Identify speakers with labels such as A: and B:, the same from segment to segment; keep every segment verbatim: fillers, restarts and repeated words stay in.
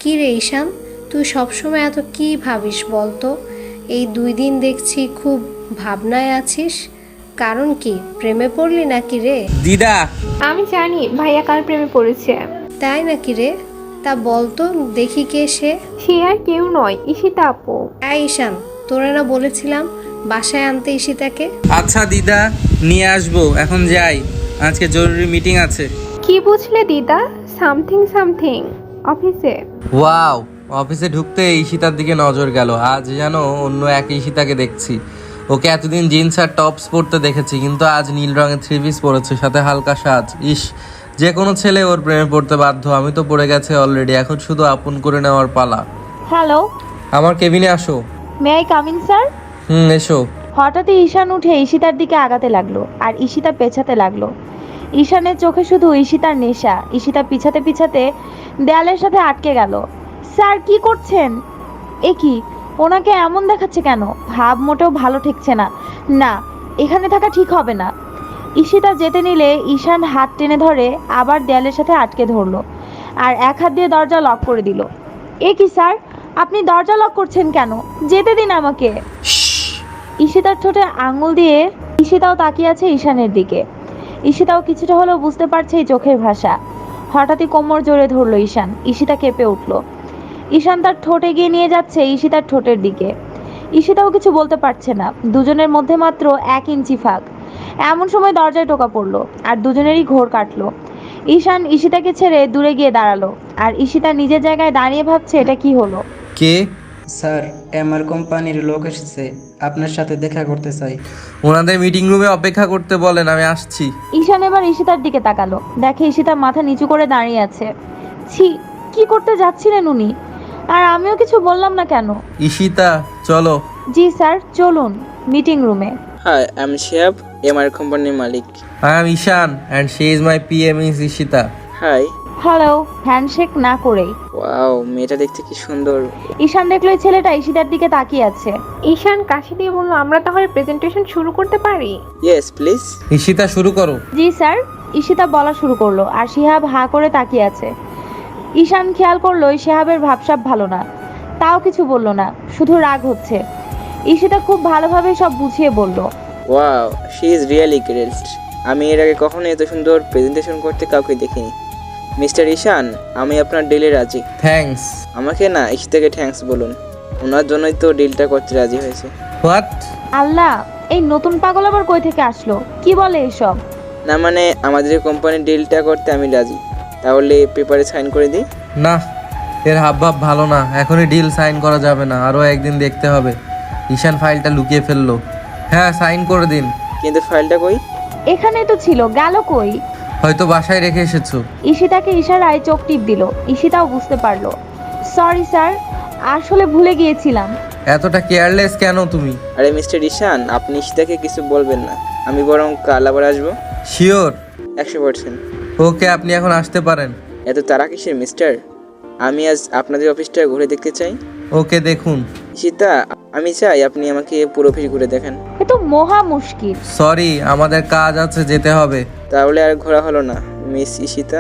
A: কি রে ঈশান, তুই সবসময় এত কি ভাবিস বলতো? এই দুই দিন দেখছি খুব ভাবনায় আছিস। কারণ কি, প্রেমে পড়লি নাকি রে?
B: দিদা,
C: আমি জানি ভাইয়া কার প্রেমে পড়েছে।
A: তাই নাকি রে? তা বলতো দেখি কে সে?
C: সে আর কেউ নয়, ঈশিতা আপু।
A: এই ঈশান, তোরে না বলেছিলাম বাসায় আনতে ঈশিতাকে?
B: আচ্ছা দিদা, নিয়ে আসবো। এখন যাই, আজকে জরুরি মিটিং আছে।
C: কি বুঝলে দিদা? সামথিং সামথিং অফিসে।
B: ওয়াও, অফিসে ঢুকতে ঈশিতার দিকে নজর গেল। আজ যেন অন্য এক ঈশিতাকে দেখছি। ওকে এতদিন জিন্স আর টপস পরতে দেখেছি, কিন্তু আজ নীল রঙের থ্রি পিস পরেছে, সাথে হালকা সাজ। ইস, যে কোনো ছেলে ওর প্রেমে পড়তে বাধ্য। আমি তো পড়ে গেছে অলরেডি, এখন শুধু আপন করে নেওয়ার পালা।
D: হ্যালো,
B: আমার কেবিনে আসো।
D: May I come in sir?
B: Hmm, এসো।
D: হঠাৎই ঈশান উঠে ঈশিতার দিকে আগাতে লাগলো আর ঈশিতা পেছাতে লাগলো। ঈশানের চোখে শুধু ঈশিতার নেশা। ঈশিতা পিছাতে পিছাতে দেয়ালের সাথে আটকে গেল। স্যার কি করছেন? এ কি, ওনাকে এমন দেখাচ্ছে কেন? ভাব মোটেও ভালো ঠেকছে না। না, এখানে থাকা ঠিক হবে না। ঈশিতা যেতে নিলে ঈশান হাত টেনে ধরে আবার দেয়ালের সাথে আটকে ধরলো আর এক হাত দিয়ে দরজা লক করে দিল। এ কি স্যার, আপনি দরজা লক করছেন কেন? যেতে দিন আমাকে। ঈশিতার ঠোঁটে আঙুল দিয়ে ঈশিতাও তাকিয়ে আছে ঈশানের দিকে। ঈশিতাও কিছুটা হলেও বুঝতে পারছে এই চোখের ভাষা। হঠাৎই কোমর জোরে ধরলো ঈশান। ঈশিতা কেঁপে উঠল। ঈশান তার ঠোঁট এগিয়ে নিয়ে যাচ্ছে ঈশিতার ঠোঁটের দিকে। ঈশিতাও কিছু বলতে পারছে না। দুজনের মধ্যে মাত্র এক ইঞ্চি ফাঁক। এমন সময় দরজায় টোকা পড়লো আর দুজনেরই ঘোর কাটলো। ঈশান ঈশিতাকে ছেড়ে দূরে গিয়ে দাঁড়ালো আর ঈশিতা নিজের জায়গায় দাঁড়িয়ে ভাবছে এটা কি হলো।
B: কে?
E: স্যার, এমআর কোম্পানির লোক এসেছে, আপনার সাথে দেখা করতে চাই।
B: ওনাদের মিটিং রুমে অপেক্ষা করতে বলেন, আমি আসছি।
D: ঈশান এবার ঈশিতার দিকে তাকালো। দেখে ঈশিতা মাথা নিচু করে দাঁড়িয়ে আছে। ছি, কি করতে যাচ্ছিলেন উনি? আর আমিও কিছু বললাম না কেন?
B: ঈশিতা, চলো।
D: জি স্যার, চলুন মিটিং রুমে।
F: হাই, আমি শিহাব, এমআর কোম্পানির মালিক।
B: I am Ishaan and she is my PM is Ishita.
F: Hi.
D: Hello, handshake না করেই।
F: ওয়াও, মেয়েটা দেখতে কি সুন্দর।
D: ঈশান দেখলো এই ছেলেটা ঈশিতার দিকে তাকিয়ে আছে।
C: ঈশান কাশি দিয়ে বলল, আমরা তাহলে প্রেজেন্টেশন শুরু করতে পারি?
F: Yes please.
B: ঈশিতা, শুরু করো।
D: জি স্যার। ঈশিতা বলা শুরু করলো আর শিহাব হাঁ করে তাকিয়ে আছে। ঈশান খেয়াল করলো শিহাবের ভাবসাব ভালো না, তাও কিছু বলল না, শুধু রাগ হচ্ছে। ঈশিতা খুব ভালোভাবে সব বুঝিয়ে বলল,
F: wow, she is really great. আমি এর আগে কখনো এত সুন্দর প্রেজেন্টেশন করতে কাউকে দেখিনি। মিস্টার ঈশান, আমি আপনার ডিলে রাজি।
B: থ্যাঙ্কস।
F: আমাকে না, ঈশিতাকে থ্যাঙ্কস বলুন। ওনার জন্যই তো ডিলটা করতে রাজি হয়েছে।
B: হোয়াট?
D: আল্লাহ, এই নতুন পাগল আবার কই থেকে আসলো? কি বলে এসব?
F: না মানে, আমাদের কোম্পানির ডিলটা করতে আমি রাজি। তাহলে পেপারে সাইন করে দিই।
B: না, এর হাবভাব ভালো না। এখনই ডিল সাইন করা যাবে না, আরও একদিন দেখতে হবে। ঈশান ফাইলটা লুকিয়ে ফেললো। হ্যাঁ, সাইন করে দিন।
F: কিন্তু ফাইলটা কই?
D: এখানে তো ছিল, গেল কই?
B: হয়তো বাসায় রেখে এসেছো।
D: ঈশিতাকে ইশারায় চোখ টিপ দিল। ঈশিতাও বুঝতে পারলো। সরি স্যার, আসলে ভুলে গিয়েছিলাম।
B: এতটা কেয়ারলেস কেন তুমি?
F: আরে মিস্টার ঈশান, আপনি ঈশিতাকে কিছু বলবেন না। আমি বরং কাল আবার আসবো।
B: শিওর?
F: একশো পার্সেন্ট।
B: ওকে, আপনি এখন আসতে পারেন।
F: এত তারা কিসের মিস্টার? আমি আজ আপনাদের অফিসটা ঘুরে দেখতে চাই।
B: ওকে, দেখুন।
F: ঈশিতা, আমি চাই আপনি আমাকে পুরো অফিস ঘুরে দেখেন।
D: এ তো মহা মুশকিল।
B: সরি, আমাদের কাজ আছে, যেতে হবে।
F: তাহলে আর ঘোরা হলো না। মিস ঈশিতা,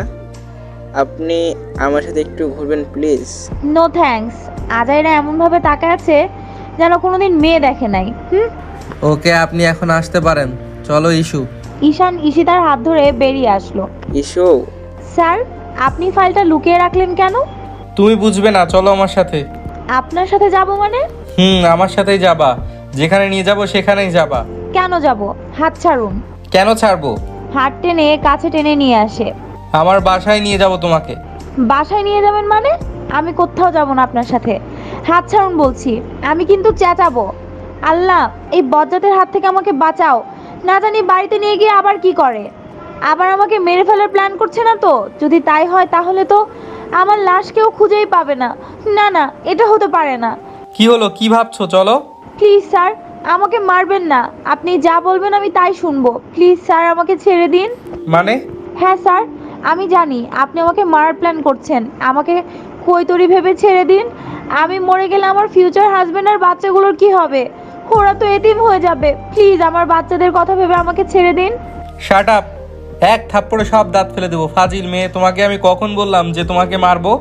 F: আপনি আমার সাথে একটু ঘুরবেন প্লিজ?
D: No thanks. আজাইরা এমনভাবে তাকায় আছে যেন কোনোদিন মেয়ে দেখে নাই। হুম।
B: ওকে, আপনি এখন আসতে পারেন। চলো ইস্যু।
D: ঈশান ঈশিতার হাত ধরে বেরিয়ে আসলো।
F: ইস্যু?
D: স্যার, আপনি ফাইলটা লুকিয়ে রাখলেন কেন?
B: তুমি বুঝবে না, চলো আমার সাথে।
D: আপনার সাথে যাব মানে?
B: হুম, আমার সাথেই যাবা। যেখানে নিয়ে যাব সেখানেই যাবা।
D: কেন যাব? হাত ছাড়ুন।
B: কেন ছাড়বো?
D: হাত টেনে কাছে টেনে নিয়ে আসে।
B: আমার বাসায় নিয়ে যাব তোমাকে।
D: বাসায় নিয়ে যাবেন মানে? আমি কোথাও যাব না আপনার সাথে। হাত ছাড়ুন বলছি। আমি কিন্তু চেঁচাবো। আল্লাহ, এই বজ্জাতের হাত থেকে আমাকে বাঁচাও। না জানি বাড়িতে নিয়ে গিয়ে আবার কি করে। আবার আমাকে মেরে ফেলার প্ল্যান করছে না তো? যদি তাই হয় তাহলে তো আমার লাশ কেউ খুঁজেই পাবে না। না না, এটা হতে পারে না।
B: কি হলো, কি ভাবছো? চলো।
D: প্লিজ স্যার, আমাকে মারবেন না। আপনি যা বলবেন আমি তাই শুনবো। প্লিজ স্যার, আমাকে ছেড়ে দিন।
B: মানে?
D: হ্যাঁ স্যার, আমি জানি আপনি আমাকে মারার প্ল্যান করছেন। আমাকে কৈতরি ভেবে ছেড়ে দিন। আমি মরে গেলে আমার ফিউচার হাজবেন্ড আর বাচ্চাগুলোর কি হবে? ওরা তো এতিম হয়ে যাবে। প্লিজ আমার বাচ্চাদের কথা ভেবে আমাকে ছেড়ে দিন।
B: Shut up! এক থাপ্পড়ে সব দাঁত ফেলে দেবো। ফাজিল মেয়ে, তোমাকে আমি কখন বললাম যে তোমাকে মারবো?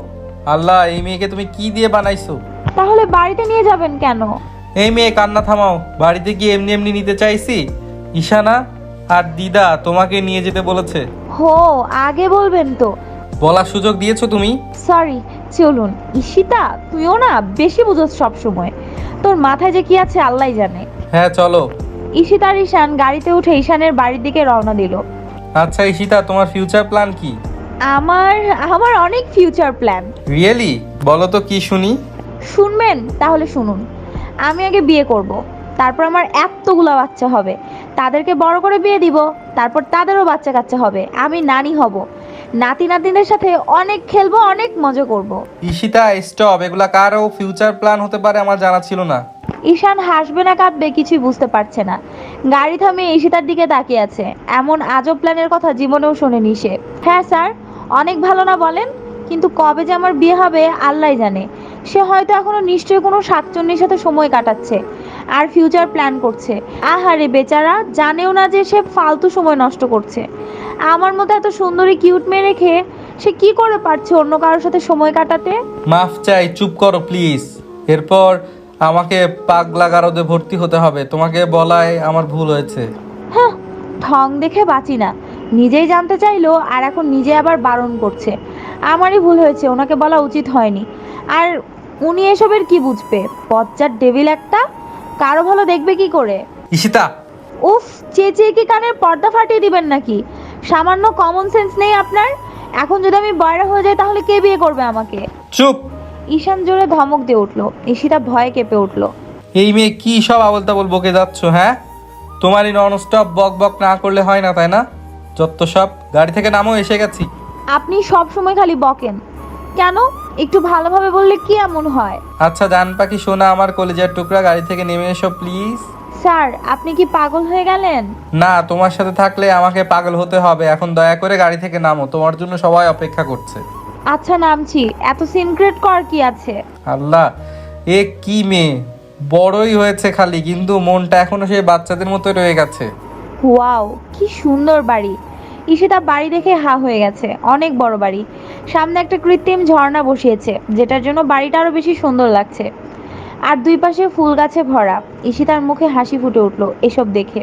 B: আল্লাহ, এই মেয়েকে তুমি কি দিয়ে বানাইছো?
D: তাহলে বাড়িতে নিয়ে যাবেন কেন?
B: এই মেয়ে কান্না থামাও। বাড়িতে কি এমনি এমনি নিতে চাইছি? ঈশানা আর দিদা তোমাকে নিয়ে যেতে বলেছে।
D: হো, আগে বলবেন তো।
B: বলার সুযোগ দিয়েছো তুমি।
D: সরি, চলুন। ঈশিতা, তুইও না বেশি বুঝোস সব সময়। তোর মাথায় যে কি আছে আল্লাহই জানে।
B: হ্যাঁ চলো।
D: ঈশিতা আর ঈশান গাড়িতে উঠে ঈশানের বাড়ির দিকে রওনা দিল।
B: আচ্ছা ঈশিতা, তোমার ফিউচার প্ল্যান কি?
D: আমার আমার অনেক ফিউচার প্ল্যান।
B: রিয়েলি? বলো তো কি শুনি।
D: শুনবেন? তাহলে শুনুন। আমি আগে বিয়ে করব, তারপর আমার এতগুলো বাচ্চা হবে, তাদেরকে বড় করে বিয়ে দিব, তারপর তাদেরও বাচ্চা কাচ্চা হবে, আমি নানি হব, নাতি নাতনিদের সাথে অনেক খেলবো, অনেক মজা করব।
B: ঈশিতা স্টপ, এগুলা কারও ফিউচার প্ল্যান হতে পারে আমার জানা ছিল না।
D: ঈশান হাসবে না কাঁদবে কিছুই বুঝতে পারছে না। গাড়ি থামিয়ে ঈশিতার দিকে তাকিয়ে আছে। এমন আজব প্ল্যানের কথা জীবনেও শোনেনি সে। হ্যাঁ স্যার, অনেক ভালো না বলেন, কিন্তু কবে যে আমার বিয়ে হবে আল্লাহই জানে। সে হয়তো এখনো নিশ্চয়ই কোনো শাকচুন্নির সাথে সময় কাটাচ্ছে আর ফিউচার প্ল্যান করছে। আহারে বেচারা, জানেও না যে সে ফালতু সময় নষ্ট করছে। আমার মতো এত সুন্দরী কিউট মেয়ে রেখে সে কি করে পারছে অন্য কারোর সাথে সময় কাটাতে?
B: মাফ চাই, চুপ করো প্লিজ। এরপর আমাকে পাগলা গারদে ভর্তি হতে হবে। তোমাকে বলায় আমার ভুল হয়েছে।
D: হ্যাঁ, ঢং দেখে বাঁচি না। নিজেই জানতে চাইলো আর এখন নিজে আবার বারণ করছে। আমারই ভুল হয়েছে, ওনাকে বলা উচিত হয়নি। আর উনি এসবের কি বুঝবে? বজ্জার ডেভিল একটা, কারো ভালো দেখবে কি করে?
B: ঈশিতা!
D: উফ, চেঁচিয়ে কি কানের পর্দা ফাটিয়ে দিবেন নাকি? সামান্য কমন সেন্স নেই আপনার? এখন যদি আমি বয়রা হয়ে যাই তাহলে কে বিয়ে করবে আমাকে?
B: চুপ!
D: ঈশান জোরে ধমক দিয়ে উঠলো। ঈশিতা ভয়ে কেঁপে উঠলো।
B: এই মেয়ে কি সব আবল তাবল বকে যাচ্ছ? হ্যাঁ, তোমার এই নন স্টপ বক বক না করলে হয় না, তাই না? যত সব, গাড়ি থেকে নামো, এসে গেছি।
D: আপনি সব সময় খালি বকেন কেন? একটু ভালোভাবে বললে কি এমন হয়?
B: আচ্ছা জান পাখি সোনা, আমার কলেজের টুকরা, গাড়ি থেকে নেমে এসো প্লিজ।
D: স্যার, আপনি কি পাগল হয়ে গেলেন?
B: না, তোমার সাথে থাকলে আমাকে পাগল হতে হবে। এখন দয়া করে গাড়ি থেকে নামো, তোমার জন্য সবাই অপেক্ষা করছে।
D: আচ্ছা নামছি। এত সিনক্রেট কর কি আছে?
B: আল্লাহ, এ কি মেয়ে! বড়ই হয়েছে খালি, কিন্তু মনটা এখনো সেই বাচ্চাদের মতো রয়ে গেছে।
D: ওয়াও, কি সুন্দর বাড়ি! ঈশিতা বাড়ি দেখে হা হয়ে গেছে। অনেক বড় বাড়ি। সামনে একটা কৃত্রিম ঝর্ণা বসিয়েছে, যেটার জন্য বাড়িটা আরো বেশি সুন্দর লাগছে। আর দুই পাশে ফুল গাছে ভরা। ঈশিতার মুখে হাসি ফুটে উঠলো এসব দেখে।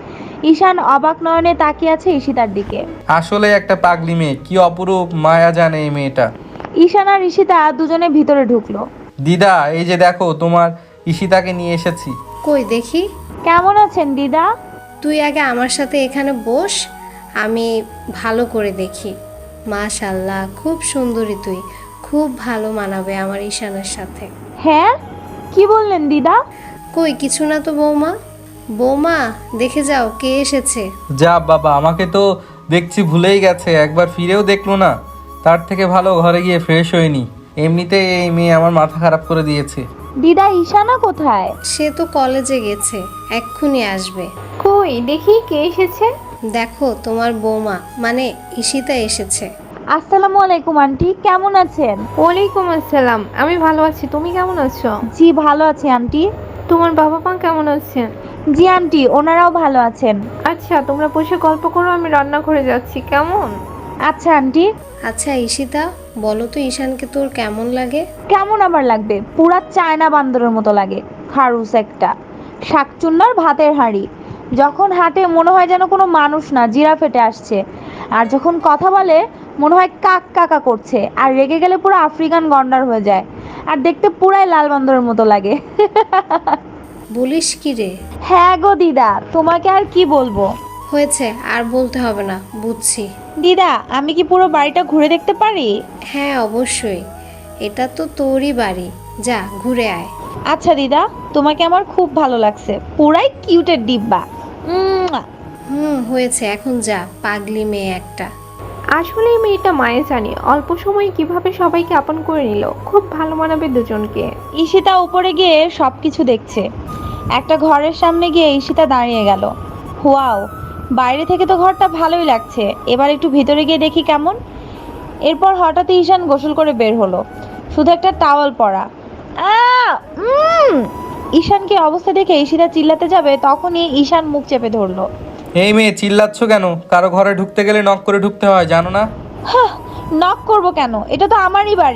D: ঈশান অবাক নয়নে তাকিয়ে আছে ঈশিতার দিকে।
B: আসলে একটা পাগলি মেয়ে, কি অপরূপ মায়া জানে এই মেয়েটা।
D: ঈশান আর ঈশিতা দুজনে ভিতরে ঢুকলো।
B: দিদা, এই যে দেখো তোমার ঈশিতাকে নিয়ে এসেছি।
A: কই দেখি।
D: কেমন আছেন দিদা?
A: তুই আগে আমার সাথে এখানে বস, আমি ভালো করে দেখি। মাশাল্লাহ, খুব সুন্দরী তুই, খুব ভালো মানাবে আমার ঈশানের সাথে।
D: হ্যাঁ, কি বললেন দিদা?
A: কই কিছু না তো বৌমা। বৌমা, দেখে যাও কে এসেছে।
B: যা বাবা, আমাকে তো দেখছি ভুলেই গেছে, একবার ফিরেও দেখলো না। তার থেকে ভালো ঘরে গিয়ে ফ্রেশ হয়নি। এমনিতেই এই মেয়ে আমার মাথা খারাপ করে দিয়েছে।
D: দিদা, ঈশানা কোথায়?
A: সে তো কলেজে গেছে, এক্ষুনি আসবে।
C: কই দেখি কে এসেছে।
A: দেখো তোমার বৌমা মানে ঈশিতা এসেছে।
D: আসসালামু আলাইকুম আন্টি, কেমন আছেন?
C: ওয়ালাইকুম আসসালাম, আমি ভালো আছি, তুমি কেমন আছো?
D: জি ভালো আছি আন্টি।
C: তোমার বাবা মা কেমন আছেন?
D: জি আন্টি, ওনারাও ভালো আছেন।
C: আচ্ছা, তোমরা বসে গল্প করো, আমি রান্নাঘরে যাচ্ছি, কেমন?
D: আচ্ছা আন্টি।
A: আচ্ছা ঈশিতা, বলো তো ঈশানকে তোর কেমন লাগে?
D: কেমন আবার লাগবে? পুরা চায়না বান্দরের মতো লাগে। খারুস একটা, শাকচুন্নার ভাতের হাঁড়ি। যখন হাঁটে মনে হয় যেন কোনো মানুষ না, জিরাফ হেঁটে আসছে। আর যখন কথা বলে মনে হয় কাক কাকা করছে। আর রেগে গেলে পুরো আফ্রিকান গন্ডার হয়ে যায়। আর দেখতে পুরাই লাল বান্দরের মতো লাগে।
A: বলিস কি রে?
D: হ্যাঁ গো দিদা, তোমাকে আর কি বলবো।
A: হয়েছে, আর বলতে হবে না, বুঝছি।
D: দিদা, আমি কি পুরো বাড়িটা ঘুরে দেখতে পারি?
A: হ্যাঁ অবশ্যই, এটা তো তোরই বাড়ি, যা ঘুরে আয়।
D: আচ্ছা দিদা, তোমাকে আমার খুব ভালো লাগছে, পুরাই কিউটের ডিব্বা। উম,
A: হুম হয়েছে, এখন যা, পাগলি মেয়ে একটা।
C: আসলে এই মেয়েটা মায়ে জানি অল্প সময়ে কিভাবে সবাইকে আপন করে নিল, খুব ভালো মানাবে দুজনকে।
D: ঈশিতা উপরে গিয়ে সবকিছু দেখছে। একটা ঘরের সামনে গিয়ে ঈশিতা দাঁড়িয়ে গেল। ওয়াও, বাইরে থেকে তো ঘরটা ভালোই লাগছে, এবার একটু ভিতরে গিয়ে দেখি কেমন। এরপর হঠাৎ ঈশান গোসল করে বের হলো, শুধু একটা টাওয়াল পরা। আহ, উম! ঈশানকে অবস্থা দেখে ঈশিতা চিল্লাতে যাবে, তখনই ঈশান মুখ চেপে ধরলো।
B: এই মেয়ে, চিল্লাচ্ছ কেন? কারো ঘরে ঢুকতে গেলে নক করে ঢুকতে হয়, জানো না?
D: হাহ, নক করবো কেন? এটা তো আমারই বাড়ি।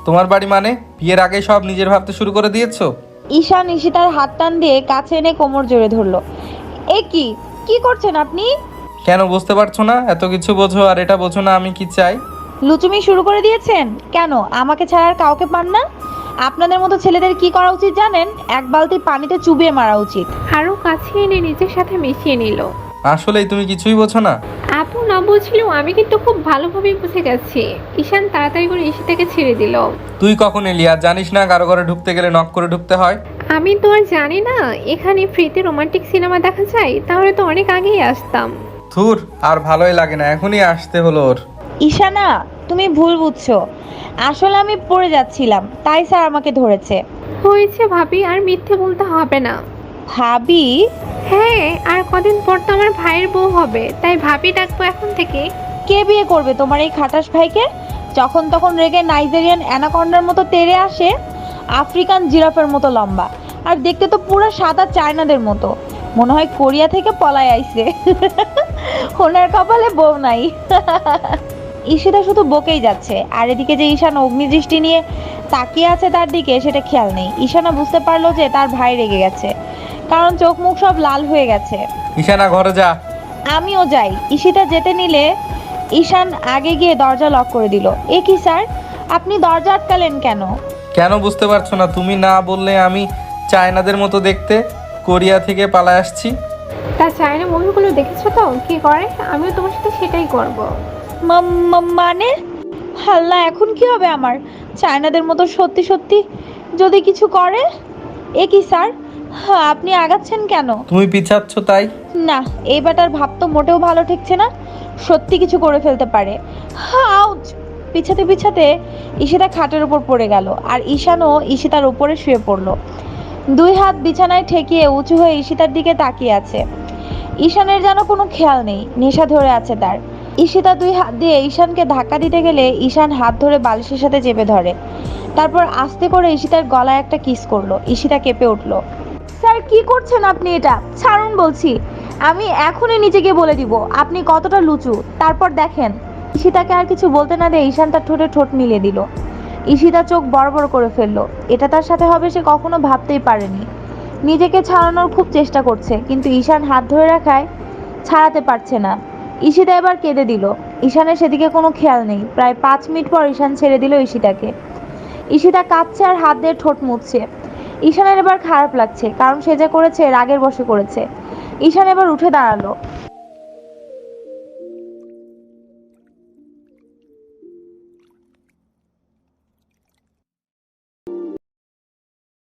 B: তোমার বাড়ি মানে বিয়ের আগে সব নিজের ভাবতে শুরু করে দিয়েছো?
D: ঈশান ঈশিতার হাত টান দিয়ে কাছে এনে কোমর জোরে ধরলো। এ কি কি করছেন আপনি?
B: কেন বুঝতে পারছো না? এত কিছু বোঝো আর এটা বোঝো না আমি কি চাই?
D: লুচুমি শুরু করে দিয়েছেন কেন? আমাকে ছাড়া আর কাউকে পান না? আপনাদের মতো ছেলেদের কি করা উচিত জানেন? এক বালতি পানিতে চুবিয়ে মারা উচিত।
C: আরও কাছে এনে নিজের সাথে মিশিয়ে নিল।
B: আসলেই তুমি কিছুই বোঝো না।
C: আপু না বুঝলেও আমি কিন্তু খুব ভালোভাবেই বুঝে গেছি। ঈশান তাড়াতাড়ি করে ঈশিতাকে ছেড়ে দিল।
B: তুই কখন এলি আর জানিস না কারো ঘরে ঢুকতে গেলে নক করে ঢুকতে হয়?
C: আমি তো আর জানি না এখানে ফ্রিতে রোমান্টিক সিনেমা দেখা যায়, তাহলে তো অনেক আগেই আসতাম।
B: ধুর, আর ভালোই লাগে না, এখনই আসতে হলো ওর।
D: ঈশানা, তুমি ভুল বুঝছো। আসলে আমি পড়ে যাচ্ছিলাম, তাই স্যার আমাকে ধরেছে।
C: হয়েছে ভাবি, আর মিথ্যে বলতে হবে না।
D: ভাবি?
C: হ্যাঁ, আর কদিন পর তো আমার ভাইয়ের বউ হবে, তাই ভাবি ডাকবো এখন থেকে।
D: কে বিয়ে করবে তোমার এই খাটাস ভাইকে? যখন তখন রেগে নাইজেরিয়ান অ্যানাকন্ডার মতো তেড়ে আসে, আফ্রিকান জিরাফের মতো লম্বা, আর দেখতে তো পুরো সাদা চায়নাদের মতো। মনে হয় কোরিয়া থেকে পলায় আইছে। ওনার কপালে বউ নাই। ঈশিতা শুধু বকেই যাচ্ছে, আর এদিকে যে ঈশান অগ্নিদৃষ্টি নিয়ে তাকিয়ে আছে তার দিকে, সেটা খেয়াল নেই। ঈশানা বুঝতে পারলো যে তার ভাই রেগে গেছে, কারণ চোখ মুখ সব লাল হয়ে গেছে।
B: ঈশানা ঘরে যা।
D: আমিও যাই। ঈশিতা যেতে নিলে ঈশান আগে গিয়ে দরজা লক করে দিল। এ কি স্যার, আপনি দরজা আটকালেন কেন?
B: কেন বুঝতে পারছো না? তুমি না বললে আমি চায়নাদের মতো দেখতে, কোরিয়া থেকে পালায় আসছি।
C: তা চায়না মুভিগুলো দেখেছো তো কি করে? আমিও তোমার সাথে সেটাই করব।
D: মা- মা- মানে হাল্লা, এখন কি হবে আমার? চায়নাদের মতো সত্যি সত্যি যদি কিছু করে? এ কি স্যার, হ্যাঁ, আপনি আগাচ্ছেন কেন?
B: তুমি পিছাচ্ছ তাই।
D: না, এই ব্যাটার ভাব তো মোটেও ভালো ঠেকছে না। সত্যি কিছু করে ফেলতে পারে। আউচ! পিছাতে পিছাতে ঈশিতা খাটের উপর পড়ে গেল, আর ঈশানও ঈশিতার উপরে শুয়ে পড়লো। দুই হাত বিছানায় ঠেকিয়ে উঁচু হয়ে ঈশিতার দিকে তাকিয়ে আছে। ঈশানের যেন কোনো খেয়াল নেই, নেশা ধরে আছে তার। ঈশিতা দুই হাত দিয়ে ঈশানকে ধাক্কা দিতে গেলে ঈশান হাত ধরে বালিশের সাথে চেপে ধরে। তারপর আস্তে করে ঈশিতার গলায় একটা কিস করলো। ঈশিতা কেঁপে উঠলো। স্যার, কি করছেন আপনি? এটা ছাড়ুন বলছি। আমি এখনই নিচে গিয়ে বলে দিব আপনি কতটা লুচু, তারপর দেখেন। ঈশিতাকে আর কিছু বলতে না দিয়ে ঈশান তার ঠোঁটে ঠোঁট মিলিয়ে দিল। ঈশিতা চোখ বড় বড় করে ফেললো। এটা তার সাথে হবে সে কখনো ভাবতেই পারেনি। নিজেকে ছাড়ানোর খুব চেষ্টা করছে, কিন্তু ঈশান হাত ধরে রাখায় ছাড়াতে পারছে না। ঈশিতা এবার কেঁদে দিল। ঈশানের সেদিকে কোনো খেয়াল নেই। প্রায় পাঁচ মিনিট পর ঈশান ছেড়ে দিল ঈশিতাকে। ঈশিতা কাঁদছে আর হাত দিয়ে ঠোঁট মুছছে। ঈশানের এবার খারাপ লাগছে, কারণ সে যা করেছে রাগের বশে করেছে। ঈশান এবার উঠে দাঁড়ালো।